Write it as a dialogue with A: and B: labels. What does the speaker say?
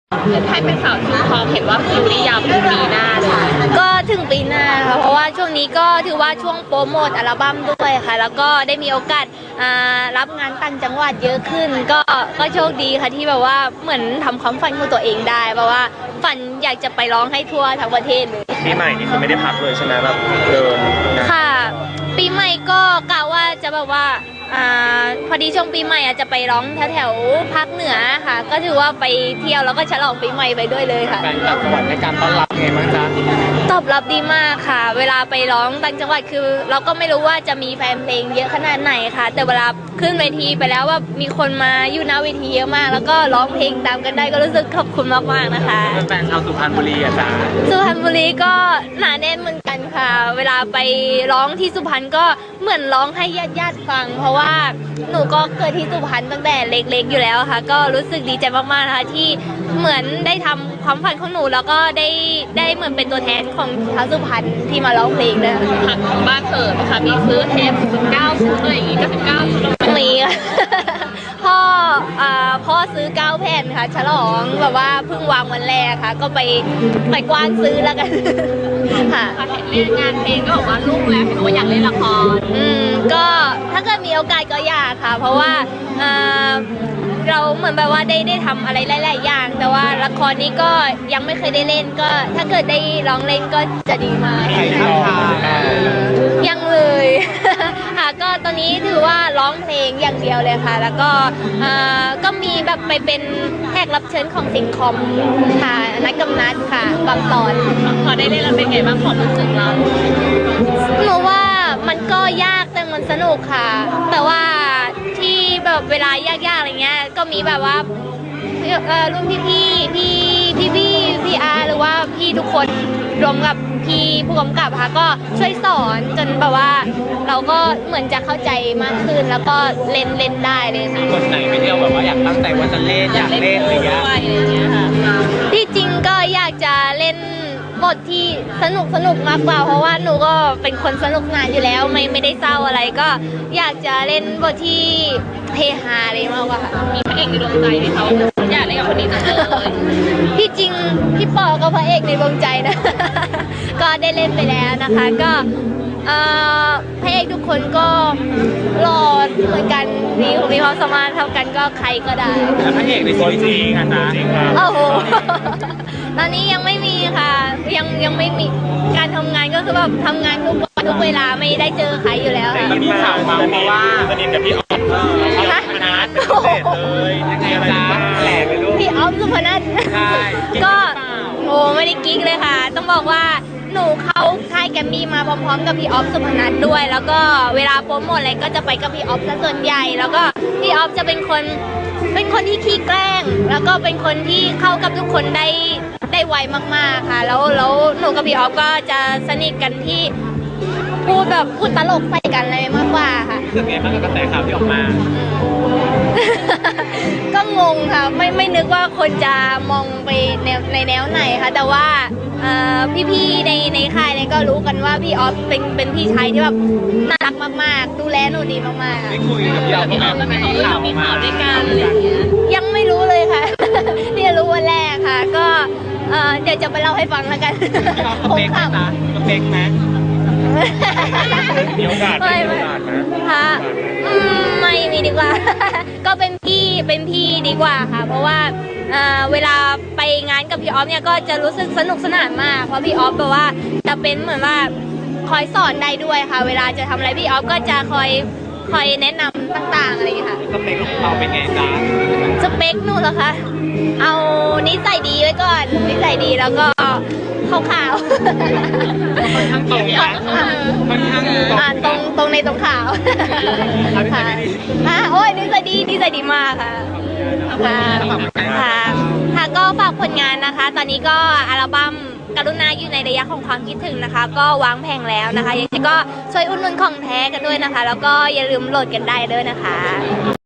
A: ให้เป็นสาวชุดทองเห็นว่าคิวนี่ยาวถึงปีหน้าเลย
B: ก็ถึงปีหน้าค่ะเพราะว่าช่วงนี้ก็ถือว่าช่วงโปรโมทอัลบั้มด้วยค่ะแล้วก็ได้มีโอกาสรับงานต่างจังหวัดเยอะขึ้นก็โชคดีค่ะที่แบบว่าเหมือนทำความฝันของตัวเองได้เพราะว่าฝันอยากจะไปร้องให้ทั่วทั้งประเทศเลย
C: ปีใหม่นี่คือไม่ได้พักเลยใช่ไหมแบบเดิน
B: ค่ะปีใหม่ก็กะว่าจะแบบว่าพอดีช่วงปีใหม่จะไปร้องแถวภาคเหนือค่ะก็ถือว่าไปเที่ยวแล้วก็ฉลองปีใหม่ไปด้วยเลยค่ะ
C: แฟนต่างจังหวัดในการต้อนรับไงบ้างจ๊ะ
B: ตอบรับดีมากค่ะเวลาไปร้องต่างจังหวัดคือเราก็ไม่รู้ว่าจะมีแฟนเพลงเยอะขนาดไหนค่ะแต่เวลาขึ้นเวทีไปแล้วว่ามีคนมาอยู่หน้าเวทีเยอะมากแล้วก็ร้องเพลงตามกันได้ก็รู้สึกขอบคุณมากๆนะคะ
C: แฟนชาวสุพรรณบุรีอ่ะจ๊ะ
B: สุพรรณบุรีก็หนาแน่นเหมือนกันค่ะเวลาไปร้องที่สุพรรณก็เหมือนร้องให้ญาติฟังเพราะว่าหนูก็เกิดที่สุพรรณตั้งแต่เล็กๆอยู่แล้วค่ะก็รู้สึกดีใจมากๆนะคะที่เหมือนได้ทำความฝันของหนูแล้วก็ได้เหมือนเป็นตัวแทนของชาวสุพรรณที่มาร้องเพลงด้วย
A: ทางบ้านเกิดนะคะมีซื้อเทป19ชุดอะไรอย่างงี้ก็19ชุด
B: มีค่ะพ่อซื้อ9 แผ่นค่ะฉลองแบบว่าเพิ่งวางวันแรกค่ะก็ไปกว้านซื้อแล้วกันค่ะ
A: เห็นเล่นงานเพลงก็บอกว่าลูกแล้วเห็นว่าอยากเล่นละคร
B: ก็ถ้าเกิดมีโอกาสก็อยากค่ะเพราะว่าเราเหมือนแบบว่าได้ทำอะไรหลายๆอย่างแต่ว่าละครนี้ก็ยังไม่เคยได้เล่นก็ถ้าเกิดได้ร้องเล่นก็จะดีมากยังเลยค่ะก็ตอนนี้ถือว่าร้องเพลงอย่างเดียวเลยค่ะแล้วก็มีแบบไปเป็นแขกรับเชิญของซิทคอมค่ะนักกำนัดค่ะบางตอน
A: พอได้เล่นแล้วเป็นไงบ้างความรู้สึกเรา
B: หนูว่ามันก็ยากแต่มันสนุกค่ะแต่ว่าที่แบบเวลายากๆอะไรเงี้ยก็มีแบบว่ารุ่นพี่อาร์หรือว่าพี่ทุกคนรวมกับพี่ผู้กำกับค่ะก็ช่วยสอนจนแบบว่าเราก็เหมือนจะเข้าใจมากขึ้นแล้วก็เล่นได้เลยค่ะ
C: คนไหนไปเที่ยวแบบว่าอยากตั้งใจว่าจะเล่นอยากเล่นอะไรอย่างเงี้ย
B: ค่ะที่จริงก็อยากจะเล่นบทที่สนุกมากกว่าเพราะว่าหนูก็เป็นคนสนุกงานอยู่แล้วไม่ได้เศร้าอะไรก็อยากจะเล่นบทที่เฮฮาเลยมากกว่าค่ะ
A: มีพระเอกในดวงใจไหมคะอยากเล่นกับคนนี้จังเลย
B: ที่จริงพี่ปอก็พระเอกในดวงใจนะก็ได้เล่นไปแล้วนะคะก็พระเอกทุกคนก็หล่อเหมือนกันมีความสามารถเท่ากันก็ใครก็ได้
C: แล้วพระเอกในซีรีส์จริงนะ
B: โอ้โหตอนนี้ยังไม่มีค่ะยังไม่มีการทำงานก็คือแบบทำงานทุกวันทุกเวลาไม่ได้เจอใครอยู่แล้วค่ะ
C: มีข่าวมาว่าสนิทกับพี่ออฟสุพนัทเลยยังไงจ๊ะแหลกไปลูก
B: พี่ออฟสุพนัท
C: ใช่
B: ก็โอ้ไม่ได้กิ๊กเลยค่ะต้องบอกว่าหนูเข้าค่ายแกมมี่มาพร้อมๆกับพี่ออฟสุพนัทด้วยแล้วก็เวลาโปรโมทอะไรก็จะไปกับพี่ออฟซะส่วนใหญ่แล้วก็พี่ออฟจะเป็นคนที่ขี้แกล้งแล้วก็เป็นคนที่เข้ากับทุกคนได้ไวมากๆค่ะแล้วหนูกับพี่ออฟก็จะสนิทกันที่พูดตลกใส่กันอะไรมากกว่าค่ะ
C: รู้สึกไงบ้างกับกระแสข่าวที่ออกมา
B: ก็งงค่ะไม่นึกว่าคนจะมองไปในแนวไหนค่ะแต่ว่าพี่ๆในค่ายเนี่ยก็รู้กันว่าพี่ออฟเป็นพี่ชายที่แบบน่ารักมากๆดูแลหนูดีมากๆ
C: ได้คุยกับพี่ออฟไหม
A: แล้วมีข่าวด้วยกันอะไรอย่างเงี้ย
B: ยังไม่รู้เลยค่ะนี่รู้วันแรกค่ะก็เดี๋ยวจะไปเล่าให้ฟังแล้วกัน
C: สเปคนะสเปคนะมีโอกาสไหม
B: คะไม่มีดีกว่าก็เป็นพี่ดีกว่าค่ะเพราะว่าเวลาไปงานกับพี่ออฟเนี่ยก็จะรู้สึกสนุกสนานมากเพราะพี่ออฟแบบว่าจะเป็นเหมือนว่าคอยสอนได้ด้วยค่ะเวลาจะทำอะไรพี่ออฟก็จะคอยแนะนำต่างๆอะไรอย่างเงี้ยค่ะ
C: สเปคของเราเป็นไงจ๊ะ
B: สเปคหนูเหรอคะเอานิสัยดีไว้ก่อนนิสัยดีแล้วก็ขาว
C: ค่อนข้างตรงนะค่อนข้าง
B: ตรงในตรงขาวค่ะโอ้ยนิสัยดีมากค่ะค่ะก็ฝากผลงานนะคะตอนนี้ก็อัลบั้มกรุณาอยู่ในระยะของความคิดถึงนะคะก็วางแผงแล้วนะคะยังไงก็ช่วยอุดหนุนของแท้กันด้วยนะคะแล้วก็อย่าลืมโหลดกันได้ด้วยนะคะ